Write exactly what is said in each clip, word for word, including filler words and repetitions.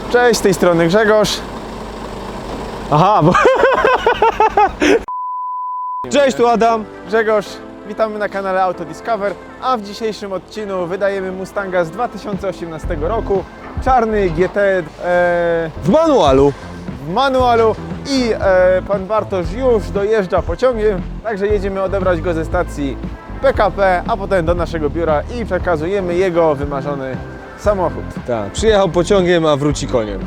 Cześć, z tej strony Grzegorz. Aha, bo... Cześć, tu Adam. Grzegorz, witamy na kanale Auto Discover, a w dzisiejszym odcinku wydajemy Mustanga z dwa tysiące osiemnastego roku. Czarny G T e, W manualu. w manualu i e, pan Bartosz już dojeżdża pociągiem, także jedziemy odebrać go ze stacji P K P, a potem do naszego biura i przekazujemy jego wymarzony samochód. Tak, przyjechał pociągiem, a wróci koniem.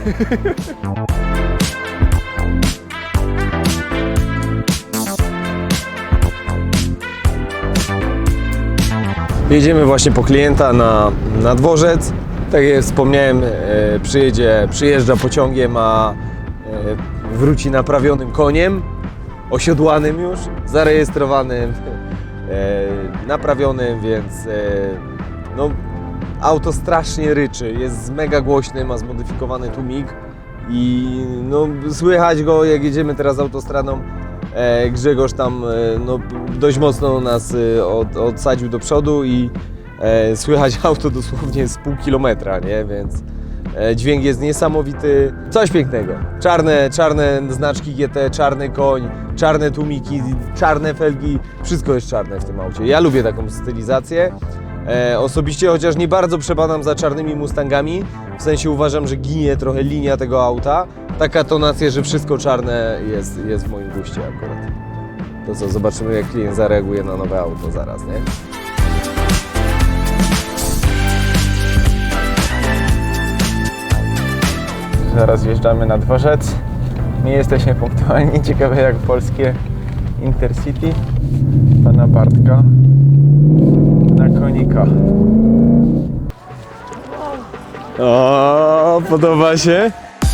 Jedziemy właśnie po klienta na, na dworzec. Tak jak wspomniałem, e, przyjedzie, przyjeżdża pociągiem, a e, wróci naprawionym koniem, osiodłanym już, zarejestrowanym, e, naprawionym, więc e, no, auto strasznie ryczy, jest mega głośny, ma zmodyfikowany tłumik i no, słychać go, jak jedziemy teraz autostradą. E, Grzegorz tam e, no, dość mocno nas e, od, odsadził do przodu i e, słychać auto dosłownie z pół kilometra, nie? Więc e, dźwięk jest niesamowity. Coś pięknego. Czarne, czarne znaczki G T, czarny koń, czarne tłumiki, czarne felgi, wszystko jest czarne w tym aucie. Ja lubię taką stylizację. E, osobiście, chociaż nie bardzo przebadam za czarnymi Mustangami, w sensie uważam, że ginie trochę linia tego auta. Taka tonacja, że wszystko czarne jest, jest w moim guście akurat. To co, zobaczymy, jak klient zareaguje na nowe auto zaraz, nie? Zaraz wjeżdżamy na dworzec. Nie jesteśmy punktualni, ciekawe jak polskie Intercity pana Bartka na konika. O, podoba się?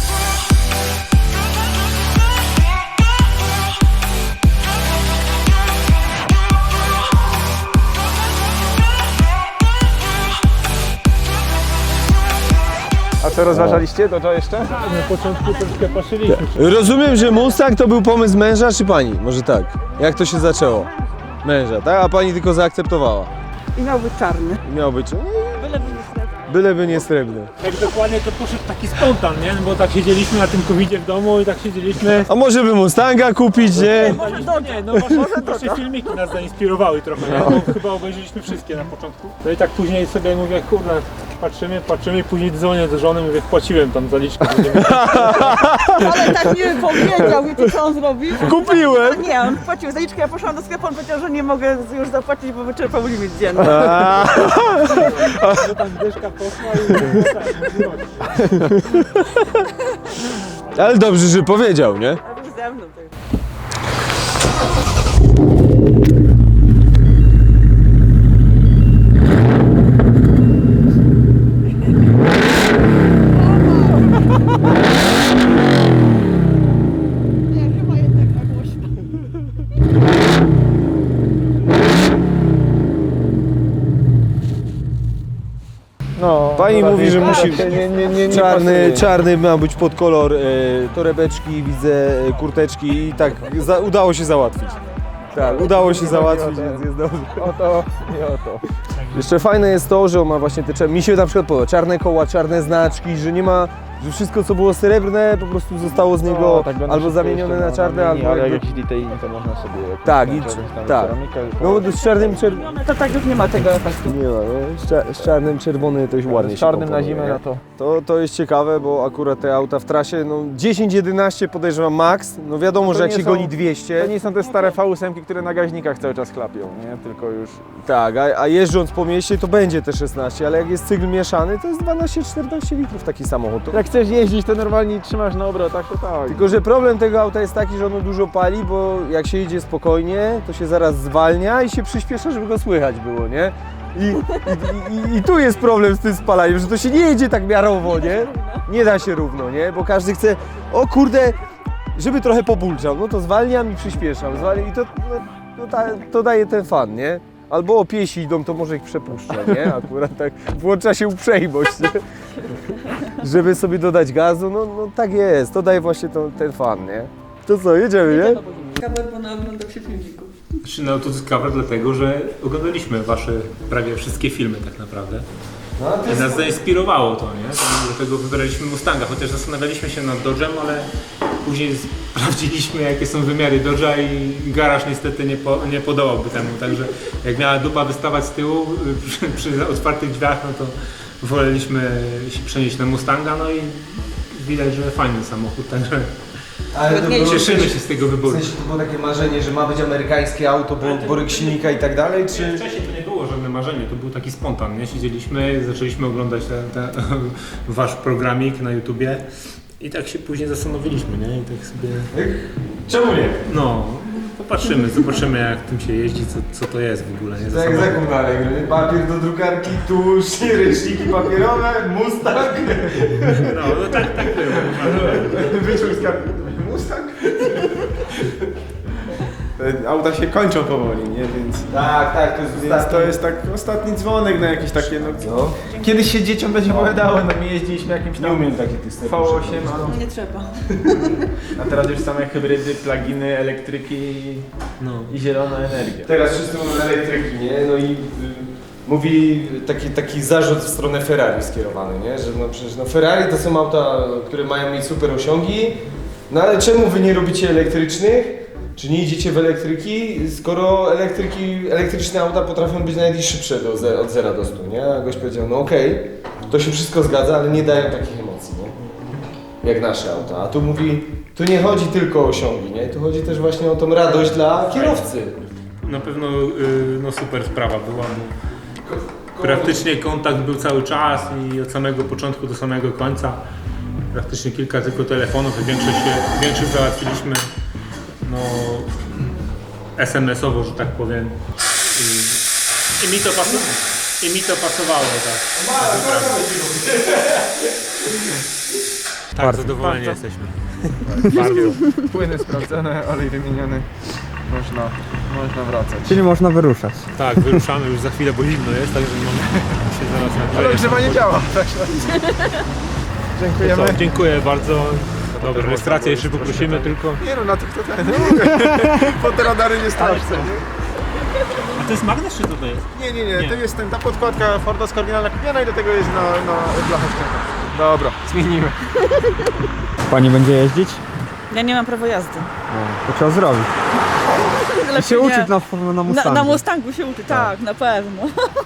A co rozważaliście? To co jeszcze? Na początku troszkę patrzyliśmy. Rozumiem, że Mustang to był pomysł męża czy pani? Może tak. Jak to się zaczęło? Męża, tak? A pani tylko zaakceptowała. I miał być czarny. I miał być, Byleby nie srebrny. byleby nie srebrny. Tak dokładnie to poszedł taki spontan, nie? Bo tak siedzieliśmy na tym covidzie w domu i tak siedzieliśmy. A może by Mustanga kupić, nie? Może Nie, Dodge. nie, no wasze, Może wasze Dodge. filmiki nas zainspirowały trochę, nie? Bo chyba obejrzeliśmy wszystkie na początku. No i tak później sobie mówię, kurde, patrzymy, patrzymy i później dzwonię do żony, mówię, wpłaciłem tam zaliczkę. Ale tak nie powiedział, wiecie co on zrobił? Kupiłem! Nie, on płacił zaliczkę, ja poszłam do sklepu, on powiedział, że nie mogę już zapłacić, bo wyczerpał limit dzienny. No tam dyszka poszła i tak, Ale dobrze, że powiedział, nie? A już ze mną to jest. Nie, chyba jednak na głośno. No, Pani no, mówi, że tak, musi nie, nie, nie, nie czarny, pasuje. czarny ma być pod kolor e, torebeczki, widzę e, kurteczki i tak za, udało się załatwić. Tak, udało się załatwić, więc jest dobrze. Oto i oto. Jeszcze fajne jest to, że on ma właśnie te, mi się na przykład podoba, czarne koła, czarne znaczki, że nie ma, że wszystko co było srebrne po prostu zostało z niego No, tak będą albo szybko zamienione jeszcze na czarne, menu, albo ale jak jakby, jakiś detailing to można sobie... Tak, i- jakąś tam tak. ceramikę, no z czarnym, czer... No to tak już nie ma tego efektu. nie ma, no, z, cza, z czarnym, czerwony to już ładnie z się czarnym na komponuje, zimę, nie? no to... To, to jest ciekawe, bo akurat te auta w trasie, no dziesięć jedenaście podejrzewam max, no wiadomo, No to że jak nie się są- goni dwieście, To nie są te stare V osiem, które na gaźnikach cały czas chlapią, nie? Tylko już... tak, a, a jeżdżąc po mieście to będzie te szesnaście, ale jak jest cykl mieszany, to jest dwanaście czternaście litrów taki samochód. To... Jak chcesz jeździć, to normalnie trzymasz na obrotach, to tak. Tylko, że problem tego auta jest taki, że ono dużo pali, bo jak się jedzie spokojnie, to się zaraz zwalnia i się przyspiesza, żeby go słychać było, nie? I, i, i, I tu jest problem z tym spalaniem, że to się nie jedzie tak miarowo, nie? Nie da się równo, nie? Bo każdy chce, o kurde, żeby trochę pobulczał, no to zwalniam i przyspieszam, zwalniam i to, no, to, ta, to daje ten fan, nie? Albo o piesi idą, to może ich przepuszcza, nie? Akurat tak włącza się uprzejmość, nie? Żeby sobie dodać gazu, no, no tak jest, to daje właśnie to, ten fan, nie? To co, jedziemy, nie? Kamer, bo naoglądał się filmików. Czy na Auto Discover dlatego, że oglądaliśmy wasze prawie wszystkie filmy tak naprawdę. No, a to I jest... nas zainspirowało to, nie? Dlatego wybraliśmy Mustanga, chociaż zastanawialiśmy się nad Dodge'em, ale później sprawdziliśmy, jakie są wymiary Dodge'a i garaż niestety nie, po, nie podołałby temu, także jak miała dupa wystawać z tyłu przy, przy otwartych drzwiach, no to woleliśmy się przenieść na Mustanga, no i widać, że fajny samochód, także Ale to było cieszymy coś- się z tego W wyboru. sensie to było takie marzenie, że ma być amerykańskie auto, bo boryk silnika i tak dalej, czy... Wcześniej to nie było żadne marzenie, to był taki spontan, nie? Siedzieliśmy, zaczęliśmy oglądać ten, ten, wasz programik na YouTubie i tak się później zastanowiliśmy, nie? I tak sobie... Czemu nie? No, popatrzymy, zobaczymy jak tym się jeździ, co, co to jest w ogóle, nie? Tak Za jak samochód. zakon dalej, papier do drukarki, tusz, ręczniki papierowe, Mustang. No, no tak, tak było. Wyciąg z karty. Mustang? Te auta się kończą powoli, nie? Więc, Tak, tak, to jest więc ostatni. to jest tak ostatni dzwonek na jakieś takie, no... No. Kiedyś się dzieciom będzie opowiadało, no my jeździliśmy jakimś Nie tam umiem takich tych V osiem, No nie trzeba. a teraz już same hybrydy, pluginy, elektryki i, No. i zielona energia. Teraz wszyscy mówią elektryki, nie? No i y, mówi taki, taki zarzut w stronę Ferrari skierowany, nie? Że no przecież no Ferrari to są auta, które mają mieć super osiągi, no ale czemu wy nie robicie elektrycznych? Czy nie idziecie w elektryki, skoro elektryki, elektryczne auta potrafią być nawet i szybsze do ze, od zera do stu, nie? A gość powiedział, no okej, to się wszystko zgadza, ale nie dają takich emocji, nie? Jak nasze auta. A tu mówi, tu nie chodzi tylko o osiągi, nie? Tu chodzi też właśnie o tą radość dla kierowcy. Na pewno y, no super sprawa była, bo praktycznie kontakt był cały czas i od samego początku do samego końca. Praktycznie kilka tylko telefonów i większość, się- większość załatwiliśmy no, es em esowo, że tak powiem. I, i mi to pasowało. I mi to pasowało, tak. Tak, zadowoleni jesteśmy. Bardzo. Płyny sprawdzone, olej wymieniony. Można, można wracać. Czyli można wyruszać. Tak, wyruszamy już za chwilę, bo zimno jest, także mamy się zaraz Ale nagrzeje. ogrzewanie działa. Dziękujemy. Co, dziękuję bardzo. Dobrze, rejestrację jeszcze poprosimy tylko. Nie no, na tych to ten. Pod te radary nie starczy. A to jest magnes czy co to jest? Nie, nie, nie, Nie. to jest ten, ta podkładka Fordowska oryginalna kupiona i do tego jest na, na blachę ścięta. Dobra, zmienimy. Pani będzie jeździć? Ja nie mam prawa jazdy. To trzeba zrobić. I Lepiej się nie. uczyć na, na Na, Mustangu. na Mustangu się uczy, tak, na pewno.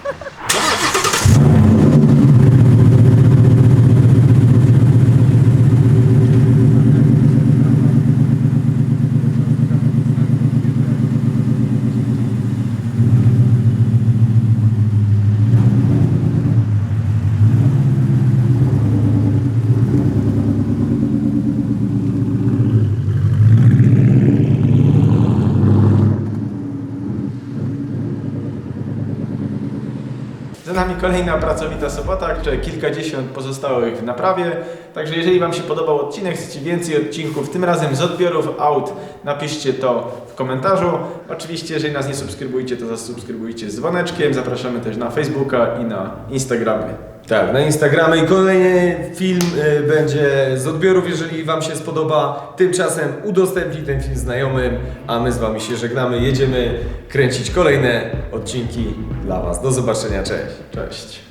Za nami kolejna pracowita sobota, jeszcze kilkadziesiąt pozostałych w naprawie. Także jeżeli Wam się podobał odcinek, chcecie więcej odcinków, tym razem z odbiorów aut, napiszcie to w komentarzu. Oczywiście, jeżeli nas nie subskrybujcie, to zasubskrybujcie z dzwoneczkiem. Zapraszamy też na Facebooka i na Instagramy. Tak, na Instagramie i kolejny film y, będzie z odbiorów, jeżeli Wam się spodoba. Tymczasem udostępnij ten film znajomym, a my z Wami się żegnamy. Jedziemy kręcić kolejne odcinki dla Was. Do zobaczenia, cześć. Cześć.